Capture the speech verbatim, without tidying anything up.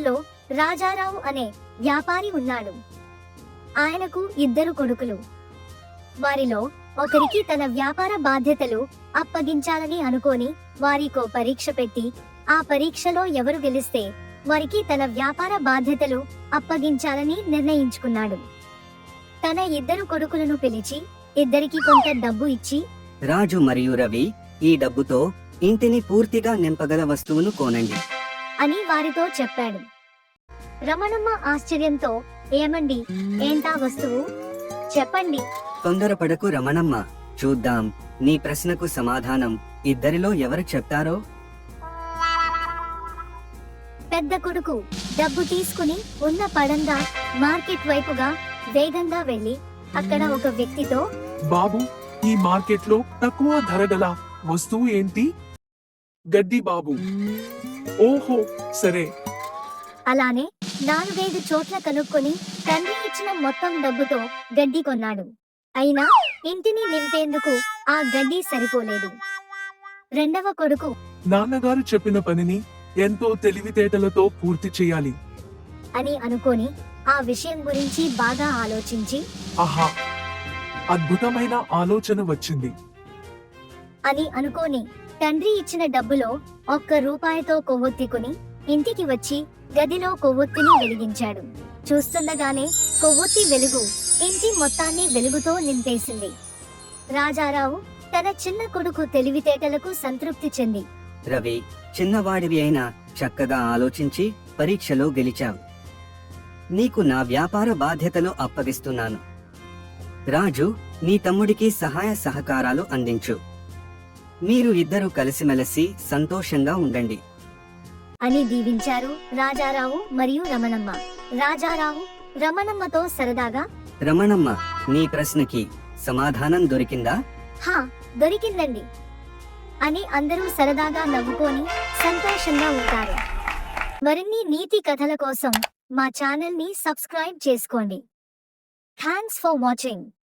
గ్రామంలో రాజారావు అనే వ్యాపారి ఉన్నాడు. ఆయనకు ఇద్దరు కొడుకులు. వారిలో ఒకరికి తన వ్యాపార బాధ్యతలు అప్పగించాలని అనుకోని వారికో పరీక్ష పెట్టి ఆ పరీక్షలో ఎవరు గెలిస్తే వారికి తన వ్యాపార బాధ్యతలు అప్పగించాలని నిర్ణయించుకున్నాడు. తన ఇద్దరు కొడుకులను పిలిచి ఇద్దరికి కొంత డబ్బు ఇచ్చి, రాజు మరియు రవి, ఈ డబ్బుతో ఇంటిని పూర్తిగా నింపగల వస్తువును కొనండి అని వారితో చెప్పాడు. రమణమ్మ ఆశ్చర్యంతో, ఏమండి, ఏంటా వస్తువు, చెప్పండి. తొందరపడకు రమణమ్మ, చూద్దాం నీ ప్రశ్నకు సమాధానం ఇద్దరిలో ఎవరు చెప్తారో. పెద్ద కొడుకు డబ్బు తీసుకుని ఉన్న పడంగా మార్కెట్ వైపుగా వేగంగా వెళ్లి అక్కడ ఒక వ్యక్తితో, బాబు, ఈ మార్కెట్లో తక్కువ ధర గల వస్తువు ఏంటి? గడ్డి బాబు. ఓహో, సరే. అలానే నాలుగైదు చోట్ల కనుక్కొని తండ్రి ఇచ్చిన మొత్తం డబ్బుతో గడ్డి కొన్నాడు. అయినా ఇంటిని నింపేందుకు ఆ గడ్డి సరిపోలేదు. రెండవ కొడుకు, నాన్నగారు చెప్పిన పనిని ఎంతో తెలివితేటలతో పూర్తి చేయాలి అని అనుకోని ఆ విషయం గురించి బాగా ఆలోచించి, ఆహా, అద్భుతమైన ఆలోచన వచ్చింది అని అనుకోని తండ్రి ఇచ్చిన డబ్బులో ఒక్క రూపాయితో కొవ్వొత్తికుని ఇంటికి వచ్చి గదిలో కొవ్వొత్తిని వెలిగించాడు. చూస్తుండగానే కొవ్వొత్తి వెలుగు ఇంటి మొత్తాన్ని వెలుగుతో నింపేసింది. రాజారావు తన చిన్న కొడుకు తెలివితేటలకు సంతృప్తి చెంది, రవి, చిన్నవాడివి అయినా చక్కగా ఆలోచించి పరీక్షలో గెలిచావు. నీకు నా వ్యాపార బాధ్యతలు అప్పగిస్తున్నాను. రాజు, నీ తమ్ముడికి సహాయ సహకారాలు అందించు. మీరు ఇద్దరు కలిసిమెలిసి సంతోషంగా ఉండండి అని దీవించారు రాజారావు మరియు రమణమ్మ. రాజారావు రమణమ్మతో సరదాగా, రమణమ్మ, నీ ప్రశ్నకి సమాధానం దొరికిందా? హా, దొరికిందండి అని అందరూ సరదాగా నవ్వుకొని సంతోషంగా ఉంటారు. మరిన్ని నీతి కథల కోసం మా ఛానల్ ని సబ్స్క్రైబ్ చేసుకోండి. Thanks for watching.